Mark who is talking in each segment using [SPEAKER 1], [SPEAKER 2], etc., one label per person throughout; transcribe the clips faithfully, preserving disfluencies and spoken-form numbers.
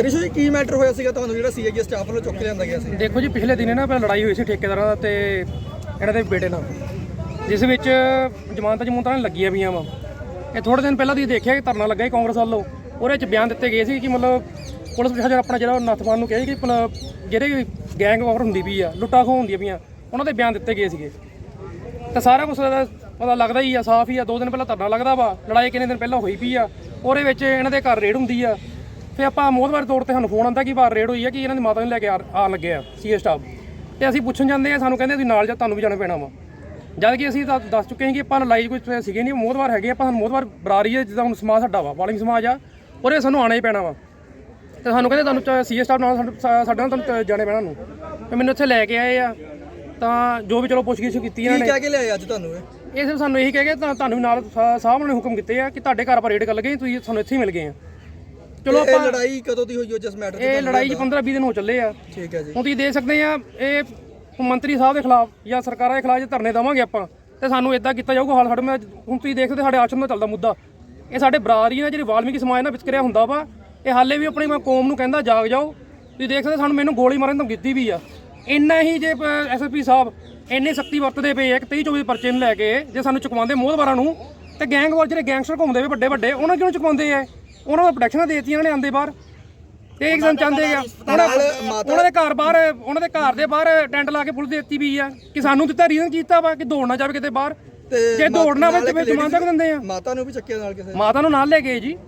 [SPEAKER 1] ਰਿਸ਼ੂ ਜੀ ਕੀ ਮੈਟਰ ਹੋਇਆ ਸੀਗਾ ਤੁਹਾਨੂੰ ਜਿਹੜਾ ਸੀਆਈਏ ਸਟਾਫ ਵੱਲੋਂ ਚੁੱਕ ਕੇ ਲਿਆਂਦਾ ਗਿਆ ਸੀ?
[SPEAKER 2] ਦੇਖੋ ਜੀ, ਪਿਛਲੇ ਦਿਨੇ ਨਾ ਪਹਿਲਾਂ ਲੜਾਈ ਹੋਈ ਸੀ ਠੇਕੇਦਾਰਾਂ ਦਾ ਤੇ ਇਹਨਾਂ ਦੇ ਬੇਟੇ ਨਾਲ, ਜਿਸ ਵਿੱਚ ਜ਼ਮਾਨਤਾਂ ਜਮੂਨਤਾਂ ਲੱਗੀਆਂ ਪਈਆਂ ਵਾ। ਇਹ ਥੋੜੇ ਦਿਨ ਪਹਿਲਾਂ ਤੁਸੀਂ ਦੇਖਿਆ ਕਿ ਧਰਨਾ ਲੱਗਾ ਸੀ ਕਾਂਗਰਸ ਵੱਲੋਂ, ਉਹਦੇ ਵਿੱਚ ਬਿਆਨ ਦਿੱਤੇ ਗਏ ਸੀ ਕਿ ਮਤਲਬ ਪੁਲਿਸ ਪ੍ਰਸ਼ਾਸਨ ਆਪਣਾ ਜਿਹੜਾ ਨੱਥਵਾਨ ਨੂੰ ਕਿਹਾ ਕਿ ਮਤਲਬ ਜਿਹੜੇ ਗੈਂਗ ਵਾਰ ਹੁੰਦੀ ਪਈ ਆ, ਲੁੱਟਾਂ ਖੋਹ ਹੁੰਦੀਆਂ ਪਈਆਂ, ਉਹਨਾਂ ਦੇ ਬਿਆਨ ਦਿੱਤੇ ਗਏ ਸੀਗੇ। ਤਾਂ ਸਾਰਾ ਕੁਛ ਪਤਾ ਲੱਗਦਾ ਹੀ ਆ, ਸਾਫ਼ ਹੀ ਆ। ਦੋ ਦਿਨ ਪਹਿਲਾਂ ਧਰਨਾ ਲੱਗਦਾ ਵਾ, ਲੜਾਈ ਕਿੰਨੇ ਦਿਨ ਪਹਿਲਾਂ ਹੋਈ ਪਈ ਆ, ਉਹਦੇ ਵਿੱਚ ਇਹਨਾਂ ਦੇ ਘਰ ਰੇਡ ਹੁੰਦੀ ਆ। ਫਿਰ ਆਪਾਂ ਮੋਹਤਵਾਰ ਤੌਰ ਤੇ ਸਾਨੂੰ ਫੋਨ ਆਉਂਦਾ ਕਿ ਬਾਹਰ ਰੇਡ ਹੋਈ ਆ, ਕਿ ਇਹਨਾਂ ਦੀ ਮਾਤਾ ਨੂੰ ਲੈ ਕੇ ਆਉਣ ਲੱਗੇ ਆ ਸੀਏ ਸਟਾਫ, ਤੇ ਅਸੀਂ ਪੁੱਛਣ ਜਾਂਦੇ ਆ, ਸਾਨੂੰ ਕਹਿੰਦੇ ਤੁਸੀਂ ਨਾਲ ਜਾ, ਤੁਹਾਨੂੰ ਵੀ ਜਾਣਾ ਪੈਣਾ ਵਾ। ਜਦ ਕਿ ਅਸੀਂ ਤਾਂ ਦੱਸ ਚੁੱਕੇ ਹਾਂ ਕਿ ਆਪਾਂ ਲੜਾਈ ਕੋਈ ਸੀਗੇ ਨਹੀਂ, ਮੋਹਤਵਾਰ ਹੈਗੇ ਆਪਾਂ, ਸਾਨੂੰ ਮੋਹਤਵਾਰ ਬਰਾਰੀ ਹੈ, ਜਿੱਦਾਂ ਹੁਣ ਸਮਾਜ ਸਾਡਾ ਵਾ, ਵਾਲਿੰਗ ਸਮਾਜ ਆ, ਉਹਦੇ ਸਾਨੂੰ ਆਉਣਾ ਹੀ ਪੈਣਾ ਵਾ। ਤੇ ਸਾਨੂੰ ਕਹਿੰਦੇ ਤੁਹਾਨੂੰ ਸੀਏ ਸਟਾਫ ਨਾਲ ਸਾਡੇ ਨਾਲ ਤੁਹਾਨੂੰ ਜਾਣੇ ਪੈਣਾ ਨੂੰ। ਤੇ ਮੈਨੂੰ ਇੱਥੇ ਲੈ ਕੇ ਆਏ ਆ, ਤਾਂ ਜੋ ਵੀ ਚਲੋ ਪੁੱਛਗਿੱਛ ਕੀਤੀ ਇਹਨਾਂ ਨੇ।
[SPEAKER 1] ਕੀ ਕਹਿ ਕੇ ਲਿਆਏ ਅੱਜ ਤੁਹਾਨੂੰ? ਇਹ
[SPEAKER 2] ਇਹ ਸਿਰਫ ਸਾਨੂੰ ਇਹੀ ਕਹਿ ਕੇ ਤੁਹਾਨੂੰ ਵੀ ਨਾਲ ਸਾਹਿਬ ਨੇ ਹੁਕਮ ਕੀਤੇ ਆ ਕਿ ਤੁਹਾਡੇ ਘਰ ਆਪਾਂ ਰੇਡ ਕਰ ਲਗੇ, ਤੁਸੀਂ ਸਾਨੂੰ ਇੱਥੇ ਹੀ ਮਿਲ ਗਏ ਆ। ਚਲੋ ਆਪਾਂ
[SPEAKER 1] ਲੜਾਈ ਕਦੋਂ ਦੀ ਹੋਈ ਹੋ ਜਿਸ ਮੈਟਰ ਤੇ?
[SPEAKER 2] ਇਹ ਲੜਾਈ ਜੀ ਪੰਦਰਾਂ ਵੀਹ ਦਿਨ ਹੋ ਚੱਲੇ ਆ।
[SPEAKER 1] ਠੀਕ ਹੈ ਜੀ।
[SPEAKER 2] ਹੁਣ ਤੁਸੀਂ ਦੇਖ ਸਕਦੇ ਆ, ਇਹ ਮੰਤਰੀ ਸਾਹਿਬ ਦੇ ਖਿਲਾਫ ਜਾਂ ਸਰਕਾਰਾਂ ਦੇ ਖਿਲਾਫ ਜੇ ਧਰਨੇ ਦੇਵਾਂਗੇ ਆਪਾਂ, ਤੇ ਸਾਨੂੰ ਇਦਾਂ ਕੀਤਾ ਜਾਊਗਾ ਹਾਲ ਸਾਡੇ। ਮੈਂ ਹੁਣ ਤੁਸੀਂ ਦੇਖ ਸਕਦੇ ਸਾਡੇ ਆਸ਼ਰਮ ਦਾ ਚੱਲਦਾ ਮੁੱਦਾ, ਇਹ ਸਾਡੇ ਬਰਾਦਰੀ ਨਾਲ ਜਿਹੜੀ ਵਾਲਮੀਕੀ ਸਮਾਜ ਨਾਲ ਵਿਚਕਰਿਆ ਹੁੰਦਾ ਵਾ, ਇਹ ਹਾਲੇ ਵੀ ਆਪਣੀ ਕੌਮ ਨੂੰ ਕਹਿੰਦਾ ਜਾਗ ਜਾਓ। ਤੁਸੀਂ ਦੇਖ ਸਕਦੇ ਸਾਨੂੰ ਮੈਨੂੰ ਗੋਲੀ ਮਾਰਨ ਤੋਂ ਕੀਤੀ ਵੀ ਆ। ਇੰਨਾ ਹੀ ਜੇ ਐਸ ਐਸ ਪੀ ਸਾਹਿਬ ਇੰਨੀ ਸਖਤੀ ਵਰਤਦੇ ਪਏ ਆ ਕਿ ਤੇਈ ਚੌਵੀ ਪਰਚੇ ਨੂੰ ਲੈ ਕੇ ਜੇ ਸਾਨੂੰ ਚੁਕਵਾਉਂਦੇ ਮੋਹਤਵਾਰਾਂ ਨੂੰ, ਤੇ ਗੈਂਗਵਾਰ ਜਿਹੜੇ ਗੈਂਗਸਟਰ ਘੁੰਮਦੇ ਵੇ ਵੱਡੇ ਵੱਡੇ, ਉਹਨਾਂ ਕਿਉਂ ਚੁਕਵਾਉਂਦੇ ਆ? ਉਹਨਾਂ ਨੂੰ ਪ੍ਰੋਟੈਕਸ਼ਨਾਂ ਦੇਤੀਆਂ ਇਹਨਾਂ ਨੇ ਆਂਦੇ ਬਾਹਰ, ਤੇ ਇੱਕ ਦਿਨ ਚਾਹੁੰਦੇ ਆ ਉਹਨਾਂ ਦੇ ਘਰ ਬਾਹਰ, ਉਹਨਾਂ ਦੇ ਘਰ ਦੇ ਬਾਹਰ ਟੈਂਟ ਲਾ ਕੇ ਪੁਲਿਸ ਦੇਤੀ ਵੀ ਆ ਕਿ ਸਾਨੂੰ ਦਿੱਤਾ ਰੀਜ਼ਨ ਕੀਤਾ ਵਾ ਕਿ ਦੌੜਨਾ ਜਾਵੇ ਕਿਤੇ ਬਾਹਰ, ਜੇ ਦੌੜਨਾ ਵੇ ਤੇ ਫਿਰ ਜਮਾਨਤ ਤੱਕ ਦਿੰਦੇ ਆ।
[SPEAKER 1] ਮਾਤਾ ਨੂੰ ਵੀ ਚੱਕਿਆ ਨਾਲ ਕਿਸੇ?
[SPEAKER 2] ਮਾਤਾ ਨੂੰ ਨਾਲ ਲੈ ਗਏ ਜੀ।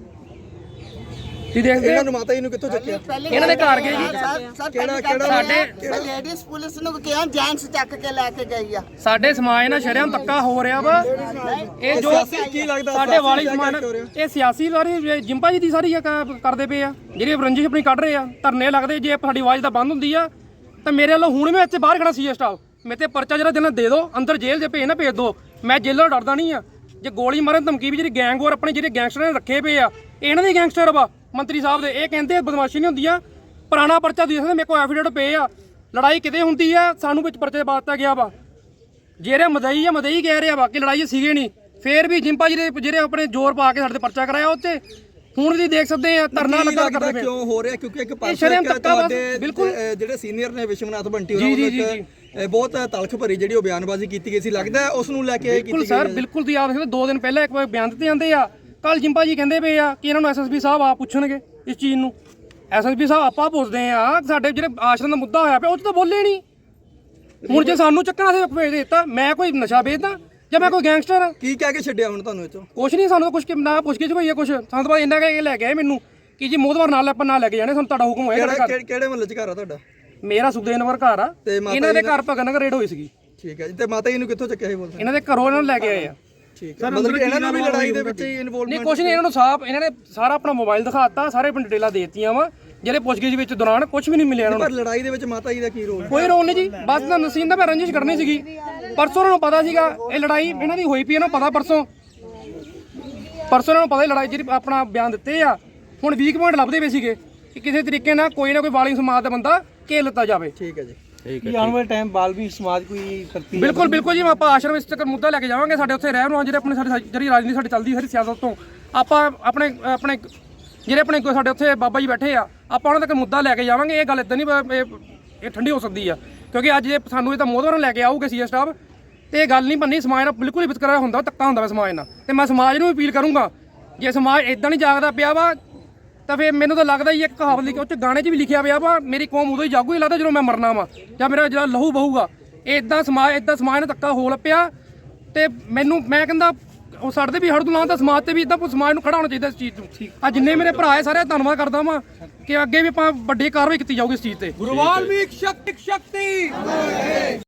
[SPEAKER 2] ਤੁਸੀਂ ਦੇਖਦੇ
[SPEAKER 1] ਇਹਨਾਂ ਨੂੰ ਮਾਤਾ ਜੀ ਨੂੰ ਕਿੱਥੋਂ ਚੱਕਿਆ?
[SPEAKER 2] ਇਹਨਾਂ ਦੇ ਘਰ ਗਏ ਜੀ।
[SPEAKER 1] ਕਿਹੜਾ ਕਿਹੜਾ
[SPEAKER 3] ਸਾਡੇ ਲੇਡੀਜ਼ ਪੁਲਿਸ ਨੂੰ ਕਿਹਾ ਜੈਂਟਸ ਚੱਕ ਕੇ ਲੈ ਕੇ ਗਈ ਆ।
[SPEAKER 2] ਸਾਡੇ ਸਮਾਜ ਨਾਲ ਸ਼ਰਮ ਧੱਕਾ ਹੋ ਰਿਹਾ ਵਾ। ਇਹ ਜੋ
[SPEAKER 1] ਕੀ ਲੱਗਦਾ
[SPEAKER 2] ਸਾਡੇ ਵਾਲੀ ਸਮਾਜ, ਇਹ ਸਿਆਸੀ ਵਾਰੀ ਜਿੰਪਾ ਜੀ ਦੀ ਸਾਰੀ ਕਰਦੇ ਪਏ ਆ, ਜਿਹੜੀ ਰੰਜਿਸ਼ ਆਪਣੀ ਕੱਢ ਰਹੇ ਆ। ਧਰਨੇ ਲੱਗਦੇ, ਜੇ ਸਾਡੀ ਆਵਾਜ਼ ਤਾਂ ਬੰਦ ਹੁੰਦੀ ਆ ਤਾਂ ਮੇਰੇ ਵੱਲੋਂ ਹੁਣ ਮੈਂ ਇੱਥੇ ਬਾਹਰ ਖੜਾ ਸੀ ਸਟਾਫ, ਮੇਰੇ ਤੇ ਪਰਚਾ ਜਿਹੜਾ ਦੇਣਾ ਦੇ ਦਿਓ, ਅੰਦਰ ਜੇਲ੍ਹ ਦੇ ਭੇਜ ਨਾ ਭੇਜ ਦਿਓ। ਮੈਂ ਜੇਲ੍ਹੋਂ ਡਰਦਾ ਨਹੀਂ ਆ। ਜੇ ਗੋਲੀ ਮਾਰਨ ਧਮਕੀ ਵੀ ਜਿਹੜੀ ਗੈਂਗ ਵਾਰ ਆਪਣੇ ਜਿਹੜੇ ਗੈਂਗਸਟਰਾਂ ਨੇ ਰੱਖੇ ਪਏ ਆ, ਇਹਨਾਂ ਦੇ ਗੈਂਗਸਟਰ ਵਾ ਮੰਤਰੀ ਸਾਹਿਬ ਦੇ। ਇਹ ਕਹਿੰਦੇ ਬਦਮਾਸ਼ੀ ਨਹੀਂ ਹੁੰਦੀ ਆ, ਪੁਰਾਣਾ ਪਰਚਾ ਦੇ ਸਕਦੇ, ਮੇਰੇ ਕੋਲ ਐਫੀਡੇਵਿਟ ਪਏ ਆ। ਲੜਾਈ ਕਿਤੇ ਹੁੰਦੀ ਆ, ਸਾਨੂੰ ਵਿੱਚ ਪਰਚੇ ਪਾ ਦਿੱਤਾ ਗਿਆ ਵਾ। ਜਿਹੜੇ ਮਦਈ ਆ ਮਦਈ ਕਹਿ ਰਿਹਾ ਵਾ ਕਿ ਲੜਾਈ ਸੀਗੇ ਨਹੀਂ, ਫੇਰ ਵੀ ਜਿੰਪਾ ਜੀ ਦੇ ਜਿਹੜੇ ਆਪਣੇ ਜ਼ੋਰ ਪਾ ਕੇ ਸਾਡੇ ਤੇ ਪਰਚਾ ਕਰਾਇਆ ਉੱਤੇ। ਹੁਣ ਵੀ ਦੇਖ ਸਕਦੇ ਆ ਧਰਨਾ ਲੱਗਾ ਕਰਦੇ ਪਏ।
[SPEAKER 1] ਕਿਉਂ ਹੋ ਰਿਹਾ? ਕਿਉਂਕਿ ਇੱਕ
[SPEAKER 2] ਪਾਸੇ ਬਿਲਕੁਲ
[SPEAKER 1] ਜਿਹੜੇ ਸੀਨੀਅਰ ਨੇ ਵਿਸ਼ਵਨਾਥ ਬੰਟੀ ਉਹਨਾਂ ਵੱਲੋਂ ਬਹੁਤ ਤਲਖ ਭਰੀ ਜਿਹੜੀ ਉਹ ਬਿਆਨਬਾਜ਼ੀ ਕੀਤੀ ਗਈ ਸੀ, ਲੱਗਦਾ ਉਸ ਨੂੰ ਲੈ ਕੇ
[SPEAKER 2] ਬਿਲਕੁਲ ਸਰ, ਬਿਲਕੁਲ ਤੁਸੀਂ ਆਪ ਦੇਖੋ ਦੋ ਦਿਨ ਪਹਿਲਾਂ ਇੱਕ ਵਾਰ ਬਿਆਨ ਦਿੱਤੇ ਜਾਂਦੇ ਆ। ਕੱਲ ਜਿੰਪਾ ਜੀ ਕਹਿੰਦੇ ਪਏ ਆ ਕਿ ਇਹਨਾਂ ਨੂੰ ਐਸ ਐਸ ਪੀ ਸਾਹਿਬ ਆ ਪੁੱਛਣਗੇ ਇਸ ਚੀਜ਼ ਨੂੰ। ਐਸ ਐਸ ਪੀ ਸਾਹਿਬ ਆਪਾਂ ਪੁੱਛਦੇ ਆ, ਸਾਡੇ ਜਿਹੜੇ ਆਸ਼ਰਮ ਦਾ ਮੁੱਦਾ ਹੋਇਆ ਪਿਆ ਉਹ 'ਚ ਤਾਂ ਬੋਲੇ ਨਹੀਂ। ਹੁਣ ਜੇ ਸਾਨੂੰ ਚੱਕਣਾ ਸੀ ਭੇਜ ਦਿੱਤਾ, ਮੈਂ ਕੋਈ ਨਸ਼ਾ ਵੇਚਦਾ ਜਾਂ ਮੈਂ ਕੋਈ ਗੈਂਗਸਟਰ? ਕੀ ਕਹਿ ਕੇ ਛੱਡਿਆ ਹੁਣ ਤੁਹਾਨੂੰ ਇੱਥੋਂ? ਕੁਛ ਨਹੀਂ, ਸਾਨੂੰ ਕੁਛ ਨਾ ਪੁੱਛ ਕੇ ਕੋਈ ਕੁਛ ਸਾਨੂੰ ਤਾਂ ਇੰਨਾ ਕਹਿ ਕੇ ਲੈ ਕੇ ਆਏ ਮੈਨੂੰ ਕਿ ਜੀ ਮੋਹਤਵਾਰ ਨਾਲ ਆਪਾਂ ਨਾਲ ਲੈ ਕੇ ਜਾਣੇ, ਸਾਨੂੰ ਤੁਹਾਡਾ ਹੁਕਮ ਹੋਏਗਾ।
[SPEAKER 1] ਕਿਹੜੇ ਮਹੱਲੇ 'ਚ ਘਰ ਆ ਤੁਹਾਡਾ?
[SPEAKER 2] ਮੇਰਾ ਸੁਖਦੇਵ ਨਗਰ ਘਰ ਆ, ਇਹਨਾਂ ਦੇ ਘਰ ਭਗਤ ਨਗਰ ਰੇਡ ਹੋਈ ਸੀਗੀ।
[SPEAKER 1] ਠੀਕ ਹੈ ਜੀ। ਤੇ ਮਾਤਾ ਜੀ ਨੂੰ ਕਿੱਥੋਂ ਚੱਕਿਆ ਸੀ ਬੋਲਦੇ?
[SPEAKER 2] ਇਹਨਾਂ ਦੇ ਘਰੋਂ ਇਹਨਾਂ ਨੂੰ ਲੈ ਕੇ ਆਏ ਆ।
[SPEAKER 1] ਠੀਕ ਹੈ, ਮਤਲਬ ਇਹਨਾਂ ਨੂੰ ਵੀ ਲੜਾਈ ਦੇ ਵਿੱਚ ਹੀ ਇਨਵੋਲਵਮੈਂਟ?
[SPEAKER 2] ਨਹੀਂ ਕੁਛ ਨਹੀਂ, ਇਹਨਾਂ ਨੂੰ ਸਾਫ ਇਹਨਾਂ ਨੇ ਸਾਰਾ ਆਪਣਾ ਮੋਬਾਈਲ ਦਿਖਾਤਾ, ਸਾਰੇ ਪਿੰਡ ਡਿਟੇਲਾਂ ਦੇਤੀਆਂ ਵਾ। ਜਿਹੜੇ ਪੁੱਛਗਿੱਛ ਵਿੱਚ ਦੌਰਾਨ ਕੁਝ ਵੀ ਨਹੀਂ ਮਿਲਿਆ ਇਹਨਾਂ ਨੂੰ।
[SPEAKER 1] ਪਰ ਲੜਾਈ ਦੇ ਵਿੱਚ ਮਾਤਾ ਜੀ ਦਾ ਕੀ ਰੋਲ?
[SPEAKER 2] ਕੋਈ ਰੋਲ ਨਹੀਂ ਜੀ, ਬਸ ਤਾਂ ਨਸੀਨ ਦਾ ਮੈਂ ਰੰਜਿਸ਼ ਕਰਨੀ ਸੀਗੀ। ਪਰਸੋਂ ਉਹਨਾਂ ਨੂੰ ਪਤਾ ਸੀਗਾ ਇਹ ਲੜਾਈ ਇਹਨਾਂ ਦੀ ਹੋਈ ਪਈ, ਇਹਨਾਂ ਨੂੰ ਪਤਾ ਪਰਸੋਂ ਪਰਸੋਂ ਇਹਨਾਂ ਨੂੰ ਪਤਾ ਲੜਾਈ ਜਿਹੜੀ ਆਪਣਾ ਬਿਆਨ ਦਿੱਤੇ ਆ। ਹੁਣ ਵੀਕ ਪੁਆਇੰਟ ਲੱਭਦੇ ਪਏ ਸੀਗੇ ਕਿ ਕਿਸੇ ਤਰੀਕੇ ਨਾਲ ਕੋਈ ਨਾ ਕੋਈ ਵਾਲਿੰਗ ਸਮਾਜ ਦਾ ਬੰਦਾ ਘੇਰ ਲਿੱਤਾ ਜਾਵੇ।
[SPEAKER 1] ਠੀਕ ਹੈ ਜੀ।
[SPEAKER 4] ਕੀ ਆਉਣ ਵਾਲੇ ਟਾਈਮ ਬਾਲਵੀ ਸਮਾਜ ਕੋਈ ਕਰਤੀ?
[SPEAKER 2] ਬਿਲਕੁਲ ਬਿਲਕੁਲ ਜੀ, ਆਪਾਂ ਆਸ਼ਰਮ ਇਸ ਤੱਕ ਮੁੱਦਾ ਲੈ ਕੇ ਜਾਵਾਂਗੇ। ਸਾਡੇ ਉੱਥੇ ਰਹਿਣ ਨੂੰ ਜਿਹੜੇ ਆਪਣੇ ਸਾਡੀ ਜਿਹੜੀ ਰਾਜਨੀਤੀ ਸਾਡੀ ਚੱਲਦੀ ਸਾਰੀ ਸਿਆਸਤ ਤੋਂ ਆਪਾਂ ਆਪਣੇ ਆਪਣੇ ਜਿਹੜੇ ਆਪਣੇ ਸਾਡੇ ਉੱਥੇ ਬਾਬਾ ਜੀ ਬੈਠੇ ਆ, ਆਪਾਂ ਉਹਨਾਂ ਤੱਕ ਮੁੱਦਾ ਲੈ ਕੇ ਜਾਵਾਂਗੇ। ਇਹ ਗੱਲ ਇਦਾਂ ਨਹੀਂ ਇਹ ਠੰਡੀ ਹੋ ਸਕਦੀ ਆ, ਕਿਉਂਕਿ ਅੱਜ ਜੇ ਸਾਨੂੰ ਇਹ ਤਾਂ ਮੋਹਤਵਾਰਾਂ ਲੈ ਕੇ ਆਊਗੇ ਸੀਏ ਸਟਾਫ, ਤੇ ਇਹ ਗੱਲ ਨਹੀਂ ਬੰਨੀ। ਸਮਾਜ ਨਾਲ ਬਿਲਕੁਲ ਹੀ ਵਿਤਕਰਾ ਹੁੰਦਾ, ਧੱਕਾ ਹੁੰਦਾ ਵਾ ਸਮਾਜ ਨਾਲ। ਤੇ ਮੈਂ ਸਮਾਜ ਨੂੰ ਵੀ ਅਪੀਲ ਕਰੂੰਗਾ, ਜੇ ਸਮਾਜ ਇਦਾਂ ਨਹੀਂ ਜਾਗਦਾ ਪਿਆ ਵਾ ਤਾਂ ਫਿਰ ਮੈਨੂੰ ਤਾਂ ਲੱਗਦਾ ਹੀ ਇੱਕ ਕਹਾਵਤ ਲਿਖੀ, ਉਹ 'ਚ ਗਾਣੇ 'ਚ ਵੀ ਲਿਖਿਆ ਪਿਆ ਵਾ, ਮੇਰੀ ਕੌਮ ਉਦੋਂ ਹੀ ਜਾਗੂ ਹੀ ਲੱਗਦਾ ਜਦੋਂ ਮੈਂ ਮਰਨਾ ਵਾ ਜਾਂ ਮੇਰਾ ਜਿਹੜਾ ਲਹੂ ਬਹੂਗਾ। ਇਹ ਇਦਾਂ ਸਮਾਜ ਇਦਾਂ ਸਮਾਜ ਨਾਲ ਧੱਕਾ ਹੋ ਲੱਪਿਆ। ਤੇ ਮੈਨੂੰ ਮੈਂ ਕਹਿੰਦਾ ਉਹ ਸਾਡੇ ਤੇ ਵੀ ਹੜ ਤੋਂ ਲਾਉਣ, ਸਮਾਜ ਤੇ ਵੀ ਇਦਾਂ ਸਮਾਜ ਨੂੰ ਖੜਾ ਹੋਣਾ ਚਾਹੀਦਾ ਇਸ ਚੀਜ਼ ਤੋਂ। ਆ ਜਿੰਨੇ ਮੇਰੇ ਭਰਾ ਹੈ ਸਾਰੇ ਧੰਨਵਾਦ ਕਰਦਾ ਵਾਂ ਕਿ ਅੱਗੇ ਵੀ ਆਪਾਂ ਵੱਡੀ ਕਾਰਵਾਈ ਕੀਤੀ ਜਾਊਗੀ ਇਸ ਚੀਜ਼ ਤੇ।
[SPEAKER 4] ਗੁਰੂ ਵਾਲਮੀਕ ਸ਼ਕਤੀ ਸ਼ਕਤੀ।